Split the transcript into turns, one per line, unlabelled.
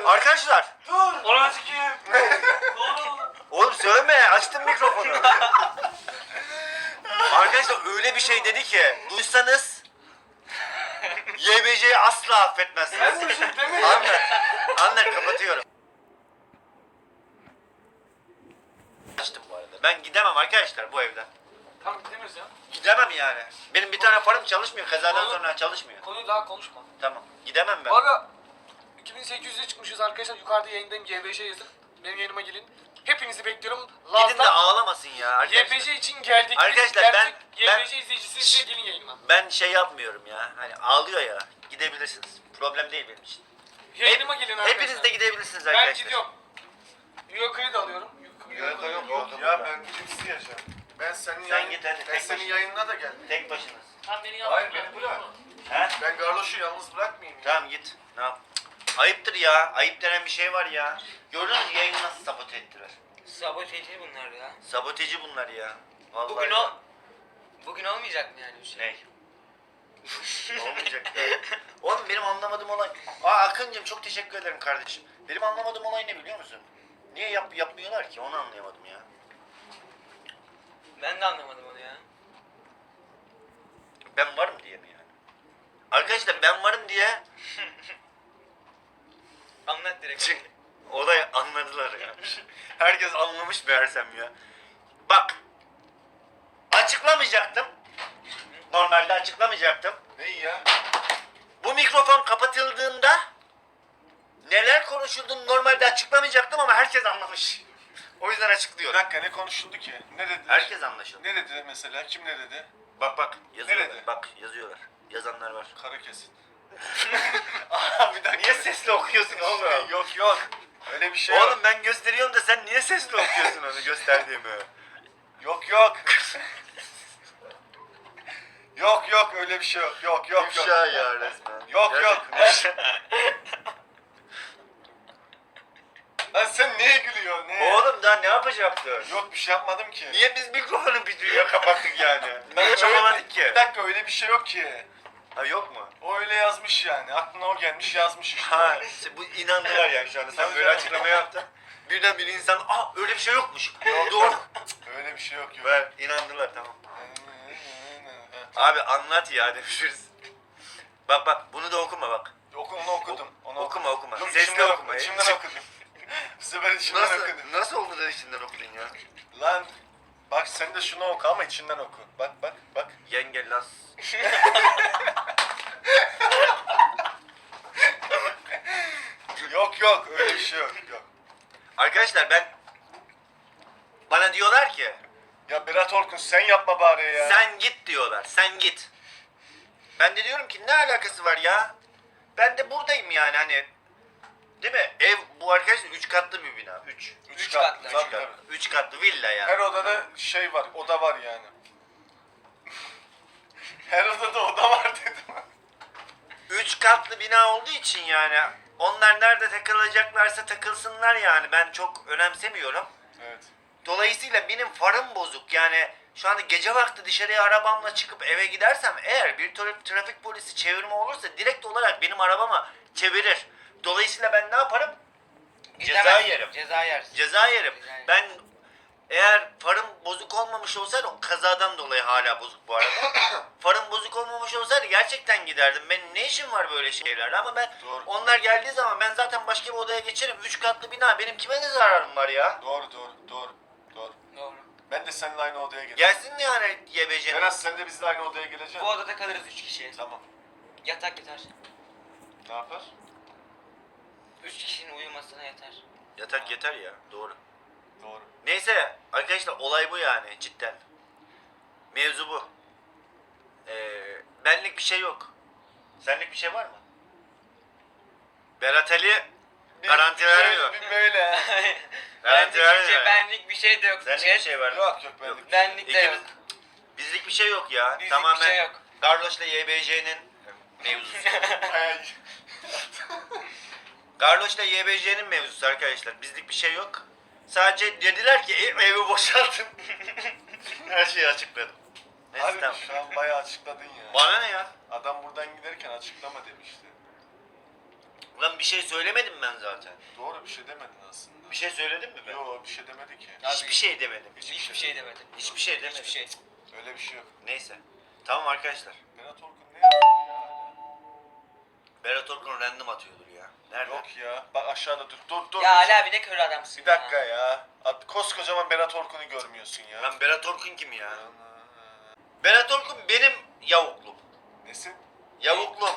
Arkadaşlar.
Dur. Ona sikeyim.
Oğlum söyleme, açtım mikrofonu. Arkadaşlar öyle bir şey dedi ki duysanız YBC'yi asla affetmezsiniz.
Ben bir şey demedim.
Anlat kapatıyorum. Açtım bu arada. Ben gidemem arkadaşlar bu evden.
Tamam gidemiyoruz ya.
Gidemem yani. Benim bir tane farım çalışmıyor. Kazadan
Oğlum.
sonra çalışmıyor.
Konuyu daha konuşma.
Tamam. Gidemem ben.
Bu arada 2800'e çıkmışız arkadaşlar. Yukarıda yayındayım. YBJ yazın. Benim yayınıma gelin. Hepinizi bekliyorum.
Gidin de ağlamasın ya arkadaşlar.
YBJ için geldik.
Arkadaşlar,
Biz
ben-
gerçek YBJ izleyicisi size gelin yayınıma.
Ben şey yapmıyorum ya. Hani ağlıyor ya. Gidebilirsiniz. Problem değil benim için.
Yayınıma gelin arkadaşlar.
Hepiniz de gidebilirsiniz
Ben
arkadaşlar.
gidiyorum. Euro kredi alıyorum.
Yok ya ben isteyeceğim. Ben senin
Sen
yayın,
git hadi,
ben
tek
senin
başına.
yayınına da geldim.
Tek başınız.
Sen beni
Hayır beni bırak.
He?
Ben Garloş'u yalnız bırakmayayım ya.
Tamam git. Ne yap? Ayıptır ya. Ayıp denen bir şey var ya. Gördünüz mü yayını nasıl sabote ettiler?
Saboteci bunlar ya.
Saboteci bunlar ya. Vallahi
Bugün
ya.
bugün olmayacak mı yani bir şey?
Ne? Olmayacak ya. Oğlum benim anlamadığım olay... Akıncığım çok teşekkür ederim kardeşim. Benim anlamadığım olay ne biliyor musun? Niye yapmıyorlar ki? Onu anlayamadım ya.
Ben de anlamadım onu ya.
Ben varım diye mi yani? Arkadaşlar ben varım diye
Anlat direkt.
Çünkü olay anladılar ya. Herkes anlamış meğersem ya. Bak. Açıklamayacaktım. Normalde açıklamayacaktım.
Neyi ya?
Bu mikrofon kapatıldığında neler konuşulduğunu normalde açıklamayacaktım ama herkes anlamış. O yüzden
Bir
açıklıyorum.
dakika ne konuşuldu ki? Ne dedi?
Herkes anlaşıldı.
Ne dedi mesela? Kim ne dedi?
Bak yazıyorlar.
Nerede?
Bak yazıyorlar. Yazanlar var.
Karı kesin.
Bir dakika. Niye sesli okuyorsun oğlum?
Yok. Öyle bir şey yok.
Oğlum ben gösteriyorum da sen niye sesli okuyorsun onu gösterdiğimi?
Yok. Yok öyle bir şey yok. Yok.
İfşa ya resmen.
Yok.
Gerçekten.
Lan sen neye gülüyorsun? Neye?
Oğlum daha ne yapacaktın?
Yok bir şey yapmadım ki.
Niye biz mikrofonu bir dünya kapattık yani? Ben hiç yapamadık ki.
Bir dakika öyle bir şey yok ki.
Ha yok mu?
O öyle yazmış yani. Aklına o gelmiş yazmış işte.
Ha bu inandılar yani şu anda sen
Tabii
böyle
canım.
açıklama yaptın. Birden bir insan öyle bir şey yokmuş. Doğru.
Öyle bir şey yok.
Ben inandılar tamam. Abi anlat ya demişiz. Bak bunu da okuma bak.
Onu okudum. Onu
Okuma.
Yok,
Sesli
içimden
okuma.
İçimden okudum. Bu sefer içimden okudum.
Nasıl oldu da içinden okudun ya?
Lan bak sen de şunu oku ama içinden oku. Bak.
Yenge las.
Yok öyle bir şey yok.
Arkadaşlar bana diyorlar ki
Ya Berat Orkun sen yapma bari ya.
sen git diyorlar. Sen git. Ben de diyorum ki ne alakası var ya? Ben de buradayım yani hani. Değil mi? Ev bu arkadaşlar 3 katlı bir bina. 3.
Üç
katlı.
Tabii.
3 katlı villa yani.
Her odada şey var. Oda var yani. Her odada oda var dedim.
3 katlı bina olduğu için yani onlar nerede takılacaklarsa takılsınlar yani. Ben çok önemsemiyorum.
Evet.
Dolayısıyla benim farım bozuk yani şu anda gece vakti dışarıya arabamla çıkıp eve gidersem eğer bir trafik polisi çevirme olursa direkt olarak benim arabama çevirir. Dolayısıyla ben ne yaparım? Ceza
Gidemezsin,
yerim.
Ceza yersin.
Ceza yerim.
Ceza yerim.
Ben eğer farım bozuk olmamış olsaydı o kazadan dolayı hala bozuk bu arada. Farım bozuk olmamış olsaydı gerçekten giderdim. Benim ne işim var böyle şeylerle ama ben
Doğru.
onlar geldiği zaman ben zaten başka bir odaya geçerim. 3 katlı bina benim kime ne zararım var ya?
Doğru.
Doğru.
Ben de seninle aynı odaya geleceğim.
Gelsin yani YBC.
Berat sen de bizle aynı odaya geleceksin.
Bu odada kalırız 3 kişi.
Tamam.
Yatak yeter.
Ne yapar?
3 kişinin uyumasına yeter.
Yatak yeter ya doğru.
Doğru.
Neyse arkadaşlar olay bu yani cidden. Mevzu bu. Benlik bir şey yok. Senlik bir şey var mı? Berat Ali garanti vermiyor.
Bir böyle.
Garanti vermiyor.
Benlik bir şey de yok.
Senlik bir şey var mı?
Yok benlik.
Benlik de yok.
İkimiz, bizlik bir şey yok ya.
Bizlik
Tamamen
bir şey yok.
Carlos'la YBC'nin mevzusu.
Bayağı-
Carlos'la YBC'nin mevzusu arkadaşlar. Bizlik bir şey yok. Sadece dediler ki evi boşaltın. Her şeyi açıkladım. Neyse
Abi
tamam.
şu an bayağı açıkladın ya.
Bana ne ya?
Adam buradan giderken açıklama demişti.
Ulan bir şey söylemedim ben zaten.
Doğru bir şey demedin aslında.
Bir şey söyledim mi ben?
Yo bir şey demedi ki.
Hiçbir şey demedim.
Hiçbir şey demedi.
Hiçbir şey demedim.
Hiçbir şey.
Öyle bir şey yok.
Neyse. Tamam arkadaşlar.
Berat Orkun ne yazıyor ya hala?
Berat Orkun random atıyordur ya. Nerede?
Yok ya. Bak aşağıda dur.
Ya Ali abi ne kör adamsın
Bir dakika ya. Koskocaman Berat Orkun'u görmüyorsun ya.
Lan Berat Orkun kim ya? Berat Orkun benim yavuklum.
Nesin?
Yavuklum.